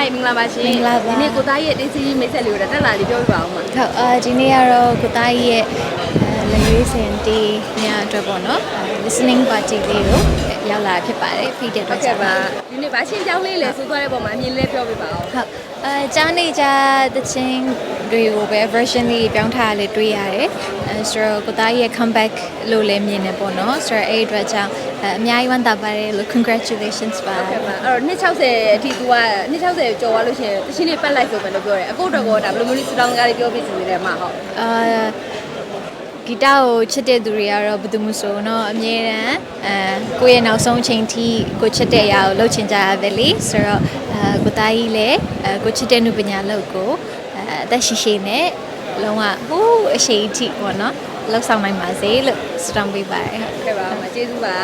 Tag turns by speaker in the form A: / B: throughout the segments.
A: မင်္ဂလာပါရှင်ဒီနေ့ကိုသားရဲ့တင်းစီမိတ်ဆက်လေးကိုတက်လာလေးပြောပြပါဦးမှာ
B: ဟုတ်ဒီနေ့ကတော့ကိုသားကြီးရဲ့လက်ရွေးစင်တီးညအတွက်ပေါ့နော် listening party လေးကိုရောက်လာဖြစ်ပါတယ်ဖိတဲ့အတွက်
A: ပါဒီနေ့ဗာရှင်းကြောင်းလေးလဲဆိုသွားတဲ့ပုံမှာအမြင်လေးပြောပြပါဦး
B: ဟုတ်ကြားနေကြတဲ့ချင်းတွေကိုပဲ version လေးပြောင်းထားလေးတွေ့ရတယ်ဆိုတော့ကိုသားကြီးရဲ့ comeback လို့လည်းမြင်နေပေါ့နော်ဆိုတော့အဲ့အတွက်ကြောင့်အများကြီးဝမ်းသာပါတယ်လို့ congratulations ပါ
A: အဲ့တော့260အထိ तू က260ကျော်သွားလို့ရှိရင်တချင်းလေးပတ်လိုက်ဆိုပဲလို့ပြောတယ်အခုတော့ကောဒါဘယ်လိုမျိုးလေးစတောင်းကားလေးပြောပြစီနေတယ်မှာဟုတ်
B: ဂီတကိုချစ်တဲ့သူတွေကတော့ဘယ်သူမှဆိုတော့အမြဲတမ်းကိုယ့်ရဲ့နောက်ဆုံးအချိန်ထိကိုချစ်တဲ့အရာကိုလုပ်ချင်ကြရတယ်လေဆိုတော့ကိုသားကြီးလည်းကိုချစ်တဲ့နုပညာလုပ်ကိုအသက်ရှိရှိနဲ့လုံးဝဟိုးအရှိန်အထိပေါ့နော်လှုပ်ဆောင်နိုင်ပါစေလို့ဆုတောင်းပေးပါတယ်
A: ဟုတ်ကဲ့ပါကျေးဇူးပါ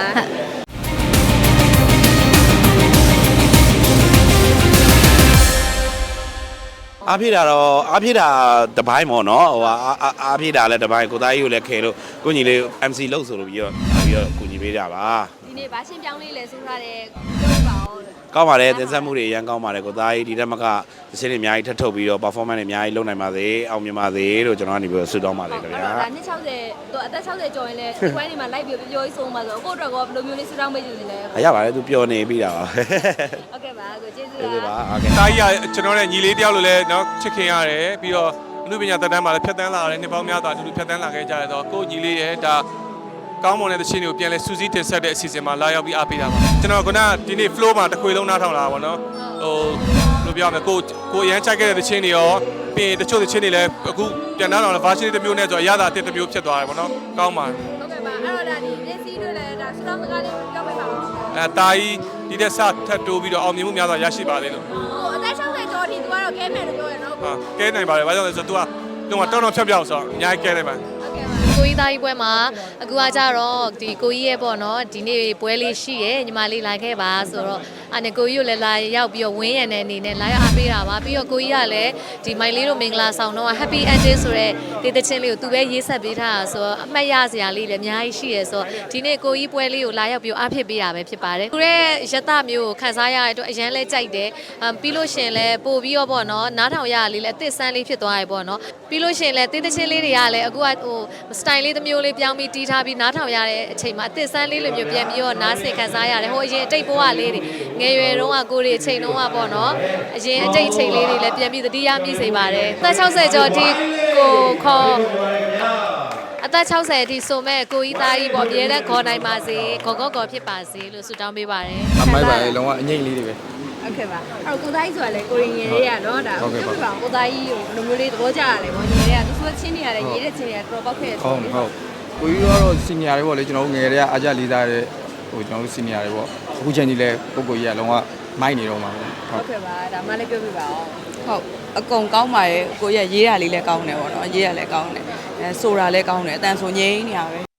C: အားဖြည့်တာတပိုင်းပေါ့နော်ဟိုအားဖြည့်တာလည်းတပိုင်းကိုသားကြီးကိုလည်းခဲလို့ကိုညီလေး MC လုပ်ဆိုလို့ပြီးတော့ကိုညီပေးကြပါ
A: ဒီနေ့ဗာရှင်းပြောင်းလေးလဲဆိုထားတယ်ပြောပါဦး
C: ကောင်းပါတယ်တင်ဆက်မှုတွေအရင်ကောင်းပါတယ်ကိုသားကြီးဒီတက်မကသင်းတွေအများကြီးထပ်ထုတ်ပြီးတော့ performance တွေအများကြီးလုပ်နိုင်ပါစေအောင်မြင်ပါစေလို့ကျွန်တော်ကနေပြီးဆုတောင်းပါတယ်ခင်ဗျာ
A: ဒါ260သူအသက်60ကျော်ရင်လည်းဒီပိုင်းတွေမှာလိုက်ပြီးပြောကြီးဆုံးပါဆိုအခုတော့ကောဘယ်လိုမျိုးလေးဆုတောင်းပေးနေလဲ
C: ရပါတယ်သူပျော်နေပြီးတာပါ
A: ဟုတ်ကဲ့ပါကိုကျေးဇူး
C: ပါ
D: ဟုတ်ကဲ့သားကြီးကကျွန်တော်နဲ့ညီလေးတယောက်လိုလဲเนาะချစ်ခင်ရတယ်ပြီးတော့အမှုပညာတက်တန်းမှာလည်းဖြတ်တန်းလာတယ်နှစ်ပေါင်းများစွာအတူတူဖြတ်တန်းလာခဲ့ကြတယ်ဆိုတော့ကိုညီလေးရဲ့ဒါကောင်းမွန်တဲ့သချင်းတွေကိုပြန်လဲစူးစီးတင်ဆက်တဲ့အစီအစဉ်မှာလာရောက်ပြီးအားပေးတာပါကျွန်တော်ကဒီနေ့ flow မှာတစ်ခွေလုံးနားထောင်လာပါတော့ဟိုလိုပြောရမယ်ကိုအရန်ချိုက်ခဲ့တဲ့သချင်းတွေရောပြီးတချို့သချင်းတွေလည်းအခုပြန်နားထောင်လာ version တစ်မျိုးနဲ့ဆိုတော့အရသာတစ်မျိုးဖြစ်သွားတယ်ပေါ့နော်ကောင်းပါ
A: ဟုတ်ကဲ့ပါအဲ့တော့ဒါဒီမျက်စိတို့လည်းဒါစတောင်းစကားလေးပြောပေးပါဦး
D: တာကြီးဒီတက်ဆက်ထပ်တိုးပြီးတော့အောင်မြင်မှုများစွာရရှိပါသေးလို့
A: ဟိုအသက်60ကျော်ဒီသူကတော့ကဲမယ်လို့ပြောရနော်
D: ဟာကဲနိုင်ပါတယ်ဘာကြောင့်လဲဆိုတော့ तू ကတောင်းဖြတ်ပြောက်ဆိုတော့အများကြီးကဲနိုင်ပါ
B: ကိုကြီးသားကြီးပွဲမှာအခုကကြတော့ဒီကိုကြီးရဲ့ပေါ့နော်ဒီနေ့ပွဲလေးရှိရယ်ညီမလေးလာခဲ့ပါဆိုတော့အဲ့နဲ့ကိုကြီးကိုလည်းလာရောက်ပြီးတော့ဝင်းရံတဲ့အနေနဲ့လာရောက်အားပေးတာပါပြီးတော့ကိုကြီးကလည်းဒီမိုင်လေးတို့မင်္ဂလာဆောင်တော့ happy ending ဆိုတဲ့ဒေသချင်းလေးကိုသူပဲရေးဆက်ပေးထားတာဆိုတော့အမှတ်ရစရာလေးလည်းအများကြီးရှိရယ်ဆိုတော့ဒီနေ့ကိုကြီးပွဲလေးကိုလာရောက်ပြီးအားဖြစ်ပေးတာပဲဖြစ်ပါတယ်သူရဲ့ရတမျိုးကိုခန်းစားရတဲ့အတွက်အရန်လဲကြိုက်တယ်ပြီးလို့ရှင်လဲပို့ပြီးတော့ပေါ့နော်နားထောင်ရလေးလည်းအသစ်ဆန်းလေးဖြစ်သွားရပေါ့နော်ပြီးလို့ရှင်လဲဒေသချင်းလေးတွေကလည်းအခုကဟိုstyle လေးတစ်မျိုးလေးပြောင်းပြီးတီးထားပြီးနားထောင်ရတဲ့အချိန်မှာအသစ်ဆန်းလေးလိုမျိုးပြန်ပြီးတော့နားဆင်ခံစားရတယ်ဟိုအရင်အတိတ်ဘဝလေးတွေငယ်ရွယ်တုန်းကကိုရီအချိန်တုန်းကပေါ့နော်အရင်အတိတ်အချိန်လေးတွေလည်းပြန်ပြီးသတိရမိစေပါတယ်အသက်60ကျော်ဒီကိုခေါ်အသက်60အထိဆိုမဲ့ကိုကြီးသားကြီးပေါ့အမြဲတမ်းခေါ်နိုင်ပါစေခေါ်ဖြစ်ပါစေလို့ဆုတောင်းပေးပါတယ်
E: အမိုက်ပါလေလုံးဝအငိမ့်လေးတွေပဲ
A: ဟုတ်ကဲ့ပါအဲ့တော့ကိုသားကြီးဆိုတာလေကိုရင်ငယ်လေးကနော်ဒါပြောပြပါကိုသားကြီးကိုဘယ်လိုမျိုးလေးသဘောကျရတယ်ပေါ့ငယ်လေးကသူဆိုချင်းနေရတယ်ရေးတဲ့ချင်းတွေကတော်ပေါက်ခဲ့တယ်
E: ဟုတ်ကိုကြီးကတော့စီနီယာတွေပေါ့လေကျွန်တော်တို့ငယ်တွေကအားကြလေးစားတဲ့ဟိုကျွန်တော်တို့စီနီယာတွေပေါ့အခုချိန်ကြီးလဲပုဂ္ဂိုလ်ကြီးကလုံးဝမိုက်နေတော့မှာ
A: ဟုတ်ကဲ့ပါဒါမှလည်းပြောပြပါအောင်
F: ဟုတ်အကုန်ကောင်းပါရဲ့ကိုရရေးတာလေးလည်းကောင်းတယ်ပေါ့နော်ရေးရလည်းကောင်းတယ်ဆိုတာလည်းကောင်းတယ်အတန်ဆိုငိမ့်နေရပဲ